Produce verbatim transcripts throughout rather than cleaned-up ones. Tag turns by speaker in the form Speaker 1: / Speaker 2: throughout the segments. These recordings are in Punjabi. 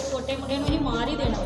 Speaker 1: ਛੋਟੇ ਮੁੰਡੇ ਨੂੰ ਹੀ ਮਾਰ ਹੀ ਦੇਣਾ।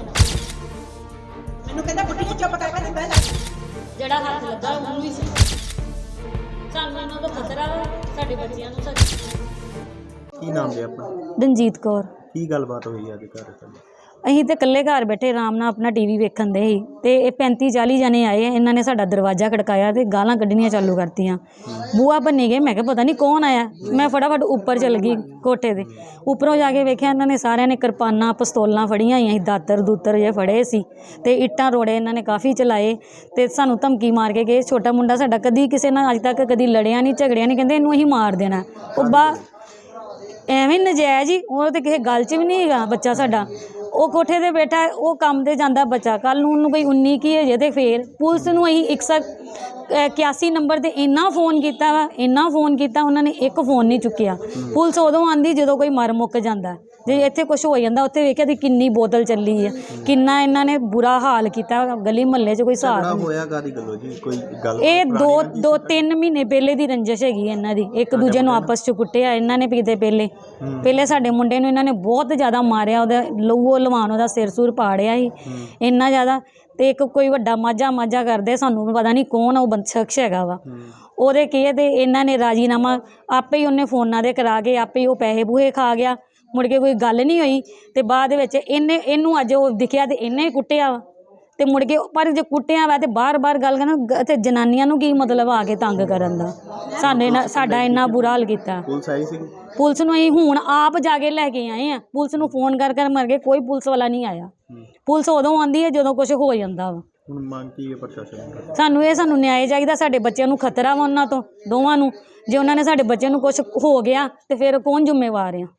Speaker 2: ਮੈਨੂੰ ਕਹਿੰਦਾ ਬੁੱਢੀ ਚੁੱਪ ਕਰਕੇ ਤੇ ਬਹਿ ਜਾ।
Speaker 1: ਜਿਹੜਾ ਹੱਥ ਲੱਗਾ ਉਹਨੂੰ ਵੀ ਸੀ। ਸਾਨੂੰ ਇਹਨਾਂ ਤੋਂ ਖਤਰਾ ਵਾ, ਸਾਡੇ ਬੱਚਿਆਂ ਨੂੰ ਸਾਡੇ।
Speaker 3: ਕੀ ਨਾਮ ਹੈ ਆਪਣਾ?
Speaker 4: ਰਣਜੀਤ ਕੌਰ।
Speaker 3: ਕੀ ਗੱਲਬਾਤ ਹੋਈ ਅੱਜ ਘਰ ਤੇ?
Speaker 4: ਅਸੀਂ ਤੇ ਇਕੱਲੇ ਘਰ ਬੈਠੇ ਆਰਾਮ ਨਾਲ ਆਪਣਾ ਟੀ ਵੀ ਵੇਖਣ ਦੇ ਸੀ ਤੇ ਇਹ ਪੈਂਤੀ ਚਾਲੀ ਜਣੇ ਆਏ। ਇਹਨਾਂ ਨੇ ਸਾਡਾ ਦਰਵਾਜ਼ਾ ਖੜਕਾਇਆ ਤੇ ਗਾਲਾਂ ਕੱਢਣੀਆਂ ਚਾਲੂ ਕਰਤੀਆਂ। ਬੂਆ ਭੰਨੀ ਗਏ। ਮੈਂ ਕਿਹਾ ਪਤਾ ਨਹੀਂ ਕੌਣ ਆਇਆ। ਮੈਂ ਫਟਾਫਟ ਉੱਪਰ ਚਲ ਗਈ ਕੋਠੇ ਤੇ। ਉੱਪਰੋਂ ਜਾ ਕੇ ਵੇਖਿਆ ਇਹਨਾਂ ਨੇ ਸਾਰਿਆਂ ਨੇ ਕਿਰਪਾਨਾਂ ਪਿਸਤੌਲਾਂ ਫੜੀਆਂ ਹੋਈਆਂ ਸੀ, ਦਾਤਰ ਦੂਤਰ ਜੇ ਫੜੇ ਸੀ ਤੇ ਇੱਟਾਂ ਰੋੜੇ ਇਹਨਾਂ ਨੇ ਕਾਫੀ ਚਲਾਏ ਤੇ ਸਾਨੂੰ ਧਮਕੀ ਮਾਰ ਕੇ ਗਏ। ਛੋਟਾ ਮੁੰਡਾ ਸਾਡਾ ਕਦੀ ਕਿਸੇ ਨਾਲ ਅੱਜ ਤੱਕ ਕਦੀ ਲੜਿਆ ਨਹੀਂ, ਝਗੜਿਆ ਨਹੀਂ, ਕਹਿੰਦੇ ਇਹਨੂੰ ਅਸੀਂ ਮਾਰ ਦੇਣਾ। ਉਹ ਬਾ ਐਵੇਂ ਨਜਾਇਜ਼ ਹੀ, ਉਹ ਤਾਂ ਕਿਸੇ ਗੱਲ 'ਚ ਵੀ ਨਹੀਂ ਹੈਗਾ ਬੱਚਾ ਸਾਡਾ। ਉਹ ਕੋਠੇ 'ਤੇ ਬੈਠਾ, ਉਹ ਕੰਮ 'ਤੇ ਜਾਂਦਾ ਬੱਚਾ। ਕੱਲ੍ਹ ਨੂੰ ਉਹਨੂੰ ਕੋਈ ਉੱਨੀ ਕੀ ਹੋ ਜੇ ਤੇ ਫਿਰ ਪੁਲਿਸ ਨੂੰ ਅਸੀਂ ਇੱਕ ਸੌ ਇਕਿਆਸੀ ਨੰਬਰ 'ਤੇ ਇੰਨਾ ਫੋਨ ਕੀਤਾ ਵਾ, ਇੰਨਾ ਫੋਨ ਕੀਤਾ, ਉਹਨਾਂ ਨੇ ਇੱਕ ਫੋਨ ਨਹੀਂ ਚੁੱਕਿਆ। ਪੁਲਿਸ ਉਦੋਂ ਆਉਂਦੀ ਜਦੋਂ ਕੋਈ ਮਰ ਮੁੱਕ ਜਾਂਦਾ। ਜੇ ਇੱਥੇ ਕੁਛ ਹੋ ਜਾਂਦਾ, ਉੱਥੇ ਵੇਖਿਆ ਤੇ ਕਿੰਨੀ ਬੋਤਲ ਚੱਲੀ ਹੈ, ਕਿੰਨਾ ਇਹਨਾਂ ਨੇ ਬੁਰਾ ਹਾਲ ਕੀਤਾ ਗਲੀ ਮੁਹੱਲੇ 'ਚ। ਕੋਈ ਹਿਸਾਬ ਨਹੀਂ
Speaker 3: ਹੋਇਆ ਕਾਦੀ ਗੱਲੋਂ ਜੀ? ਕੋਈ ਗੱਲ
Speaker 4: ਇਹ ਦੋ ਦੋ ਤਿੰਨ ਮਹੀਨੇ ਪਹਿਲੇ ਦੀ ਰੰਜਿਸ਼ ਹੈਗੀ ਇਹਨਾਂ ਦੀ। ਇੱਕ ਦੂਜੇ ਨੂੰ ਆਪਸ 'ਚ ਕੁੱਟਿਆ ਇਹਨਾਂ ਨੇ ਕਿਤੇ ਪਹਿਲੇ ਪਹਿਲੇ ਸਾਡੇ ਮੁੰਡੇ ਨੂੰ ਇਹਨਾਂ ਨੇ ਬਹੁਤ ਜ਼ਿਆਦਾ ਮਾਰਿਆ। ਉਹਦਾ ਲਹੂ ਲਵਾਨ, ਉਹਦਾ ਸਿਰ ਸੁਰ ਪਾੜਿਆ ਸੀ ਇੰਨਾ ਜ਼ਿਆਦਾ। ਤੇ ਇੱਕ ਕੋਈ ਵੱਡਾ ਮਾਝਾ ਮਾਝਾ ਕਰਦੇ, ਸਾਨੂੰ ਪਤਾ ਨਹੀਂ ਕੌਣ ਉਹ ਬੰਦ ਸ਼ਖਸ ਹੈਗਾ ਵਾ। ਉਹਦੇ ਕੀ ਤੇ ਇਹਨਾਂ ਨੇ ਰਾਜੀਨਾਮਾ ਆਪੇ ਹੀ ਉਹਨੇ ਫੋਨਾਂ ਦੇ ਕਰਾ ਕੇ ਆਪੇ ਹੀ ਉਹ ਪੈਸੇ ਪੂਹੇ ਖਾ ਗਿਆ। ਮੁੜ ਕੇ ਕੋਈ ਗੱਲ ਨਹੀਂ ਹੋਈ ਤੇ ਬਾਅਦ ਵਿੱਚ ਇਹਨੇ ਇਹਨੂੰ ਅੱਜ ਉਹ ਦਿਖਿਆ ਤੇ ਇਹਨੇ ਕੁੱਟਿਆ ਵਾ ਤੇ ਮੁੜ ਕੇ। ਪਰ ਜੇ ਕੁੱਟਿਆ ਵਾ ਤੇ ਬਾਰ ਬਾਰ ਗੱਲ ਕਰਨਾ ਤੇ ਜਨਾਨੀਆਂ ਨੂੰ ਕੀ ਮਤਲਬ ਆ ਕੇ ਤੰਗ ਕਰਨ ਦਾ? ਸਾਡੇ ਨਾਲ ਸਾਡਾ ਇੰਨਾ ਬੁਰਾ ਹਾਲ ਕੀਤਾ।
Speaker 3: ਪੁਲਿਸ ਆਈ ਸੀ?
Speaker 4: ਪੁਲਿਸ ਨੂੰ ਅਸੀਂ ਹੁਣ ਆਪ ਜਾ ਕੇ ਲੈ ਕੇ ਆਏ ਆ। ਪੁਲਿਸ ਨੂੰ ਫੋਨ ਕਰ ਕਰ ਮਰ ਗਏ, ਕੋਈ ਪੁਲਿਸ ਵਾਲਾ ਨਹੀਂ ਆਇਆ। ਪੁਲਿਸ ਉਦੋਂ ਆਉਂਦੀ ਹੈ ਜਦੋਂ ਕੁਝ ਹੋ ਜਾਂਦਾ ਵਾ।
Speaker 3: ਹੁਣ ਮੰਗ ਕੀ ਹੈ ਪ੍ਰਸ਼ਾਸਨ ਨੂੰ?
Speaker 4: ਸਾਨੂੰ ਇਹ ਸਾਨੂੰ ਨਿਆਂ ਚਾਹੀਦਾ। ਸਾਡੇ ਬੱਚਿਆਂ ਨੂੰ ਖਤਰਾ ਵਾ ਉਹਨਾਂ ਤੋਂ ਦੋਵਾਂ ਨੂੰ। ਜੇ ਉਹਨਾਂ ਨੇ ਸਾਡੇ ਬੱਚਿਆਂ ਨੂੰ ਕੁਝ ਹੋ ਗਿਆ ਤੇ ਫਿਰ ਕੌਣ ਜ਼ਿੰਮੇਵਾਰ ਆ?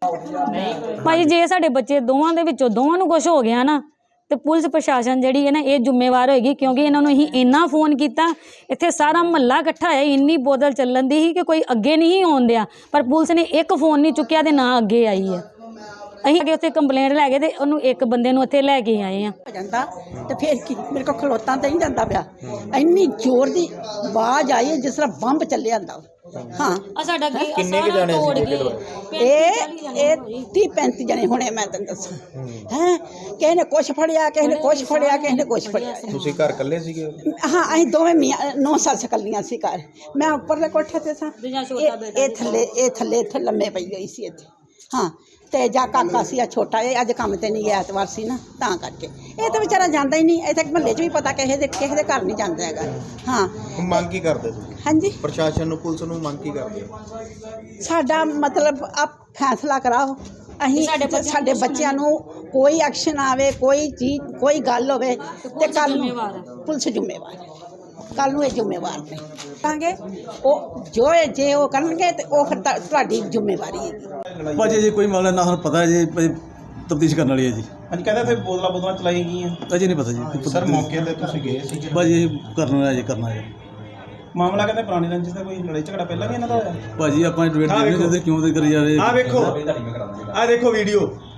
Speaker 4: ਭਾਈ ਜੇ ਸਾਡੇ ਬੱਚੇ ਦੋਵਾਂ ਦੇ ਵਿੱਚੋਂ ਦੋਵਾਂ ਨੂੰ ਕੁਝ ਹੋ ਗਿਆ ਨਾ ਤੇ ਪੁਲਿਸ ਪ੍ਰਸ਼ਾਸਨ ਜਿਹੜੀ ਹੈ ਨਾ ਇਹ ਜ਼ਿੰਮੇਵਾਰ ਹੋਏਗੀ। ਕਿਉਂਕਿ ਇਹਨਾਂ ਨੂੰ ਅਸੀਂ ਇੰਨਾ ਫੋਨ ਕੀਤਾ, ਇੱਥੇ ਸਾਰਾ ਮਹੱਲਾ ਇਕੱਠਾ ਹੋਇਆ, ਇੰਨੀ ਬੋਤਲ ਚੱਲਣ ਦੀ ਸੀ ਕਿ ਕੋਈ ਅੱਗੇ ਨਹੀਂ ਆਉਣ ਦਿਆ। ਪਰ ਪੁਲਿਸ ਨੇ ਇੱਕ ਫੋਨ ਨਹੀਂ ਚੁੱਕਿਆ ਤੇ ਨਾ ਅੱਗੇ ਆਈ ਹੈ। ਅਸੀਂ ਅੱਗੇ ਉੱਥੇ ਕੰਪਲੇਂਟ ਲੈ ਗਏ ਤੇ ਉਹਨੂੰ ਇੱਕ ਬੰਦੇ ਨੂੰ ਇੱਥੇ ਲੈ ਕੇ ਆਏ ਆ।
Speaker 2: ਜਾਂਦਾ ਤੇ ਫਿਰ ਕੀ ਮੇਰੇ ਕੋਲ ਖਲੋਤਾ ਤਾਂ ਨਹੀਂ ਜਾਂਦਾ ਪਿਆ। ਇੰਨੀ ਜ਼ੋਰ ਦੀ ਆਵਾਜ਼ ਆਈ ਜਿਸ ਤਰ੍ਹਾਂ ਬੰਬ ਚੱਲਿਆ ਹੁੰਦਾ। ਹਾਂ
Speaker 4: ਆ ਸਾਡਾ
Speaker 3: ਕਿੰਨੇ ਕੁ ਜਾਣੇ ਸੀ?
Speaker 2: ਇਹ ਇਹ ਤੀਹ ਪੈਂਤੀ ਜਣੇ ਹੋਣੇ ਮੈਂ ਤੈਨੂੰ ਦੱਸਾਂ। ਹੈਂ ਕਿਸੇ ਨੇ ਕੁਛ ਫੜਿਆ, ਕਿਸੇ ਨੇ ਕੁਛ ਫੜਿਆ, ਕਿਸੇ ਨੇ ਕੁਛ ਫੜਿਆ।
Speaker 3: ਤੁਸੀਂ ਘਰ ਇਕੱਲੇ ਸੀਗੇ?
Speaker 2: ਹਾਂ ਅਸੀਂ ਦੋਵੇਂ ਮੀਆਂ ਨੌ ਸੱਸ ਇਕੱਲੀਆਂ ਸੀ ਘਰ। ਮੈਂ ਉੱਪਰਲੇ ਕੋਠੇ 'ਤੇ ਸਾਂ, ਇਹ ਇਹ ਥੱਲੇ ਇਹ ਥੱਲੇ ਇੱਥੇ ਲੰਮੇ ਪਈ ਹੋਈ ਸੀ ਇੱਥੇ। ਹਾਂ ਤੇ ਜਾ ਕਾਕਾ ਸੀ ਆ ਛੋਟਾ, ਇਹ ਅੱਜ ਕੰਮ ਤੇ ਨਹੀਂ ਗਿਆ, ਐਤਵਾਰ ਸੀ ਨਾ ਤਾਂ ਕਰਕੇ। ਇਹ ਤਾਂ ਵਿਚਾਰਾ ਜਾਂਦਾ ਹੀ ਨਹੀਂ। ਇੱਥੇ ਮਹੱਲੇ 'ਚ ਵੀ ਪਤਾ ਕਿਸੇ ਦੇ ਕਿਸੇ ਦੇ ਘਰ ਨਹੀਂ ਜਾਂਦਾ ਹੈਗਾ। ਹਾਂ
Speaker 3: ਮੰਗ ਕੀ ਕਰਦੇ ਤੁਸੀਂ?
Speaker 2: ਹਾਂਜੀ
Speaker 3: ਪ੍ਰਸ਼ਾਸਨ ਨੂੰ, ਪੁਲਿਸ ਨੂੰ ਮੰਗ ਕੀ ਕਰਦੇ ਹੋ?
Speaker 2: ਸਾਡਾ ਮਤਲਬ ਆਪ ਫੈਸਲਾ ਕਰਾਓ। ਅਸੀਂ ਸਾਡੇ ਬੱਚਿਆਂ ਨੂੰ ਕੋਈ ਐਕਸ਼ਨ ਆਵੇ, ਕੋਈ ਚੀਜ਼ ਕੋਈ ਗੱਲ ਹੋਵੇ ਤੇ ਕੱਲ੍ਹ ਨੂੰ ਪੁਲਿਸ ਜ਼ਿੰਮੇਵਾਰ ਹੈ। ਕੱਲ੍ਹ ਨੂੰ ਇਹ ਜ਼ਿੰਮੇਵਾਰ ਨੇ ਕਹਾਂਗੇ ਉਹ ਜੋ ਜੇ ਉਹ ਕਰਨਗੇ ਤੇ ਉਹ ਫਿਰ ਤੁਹਾਡੀ ਜ਼ਿੰਮੇਵਾਰੀ ਹੈਗੀ।
Speaker 5: ਭਾਜੀ ਜੀ ਕੋਈ ਮਾਮਲਾ ਨਾ ਸਾਨੂੰ ਪਤਾ ਹੈ ਜੀ, ਤਫਤੀਸ਼ ਕਰਨ ਵਾਲੀ ਹੈ ਜੀ।
Speaker 6: ਅੱਜ ਕਹਿੰਦਾ ਤੇ ਬੋਤਲਾਂ ਬੋਤਲਾਂ ਚਲਾਈ ਗਈਆਂ,
Speaker 5: ਅਜੇ ਨਹੀਂ ਪਤਾ ਜੀ।
Speaker 6: ਸਰ ਮੌਕੇ ਤੇ ਤੁਸੀਂ ਗਏ ਸੀ
Speaker 5: ਭਾਜੀ ਕਰਨਾ ਹੈ ਜੀ, ਕਰਨਾ ਹੈ।
Speaker 6: ਮਾਮਲਾ ਕਹਿੰਦੇ ਪੁਰਾਣੀ ਰੰਜਿਸ਼ ਦਾ ਕੋਈ ਲੜਾਈ ਝਗੜਾ ਪਹਿਲਾਂ ਵੀ ਇਹਨਾਂ ਦਾ ਹੋਇਆ?
Speaker 5: ਭਾਜੀ ਆਪਾਂ ਡਿਬੇਟ ਨਹੀਂ ਕਰਦੇ ਕਿਉਂ ਤੇ ਕਰੀ ਜਾ ਰਹੇ।
Speaker 6: ਆ ਵੇਖੋ, ਆ ਦੇਖੋ ਵੀਡੀਓ,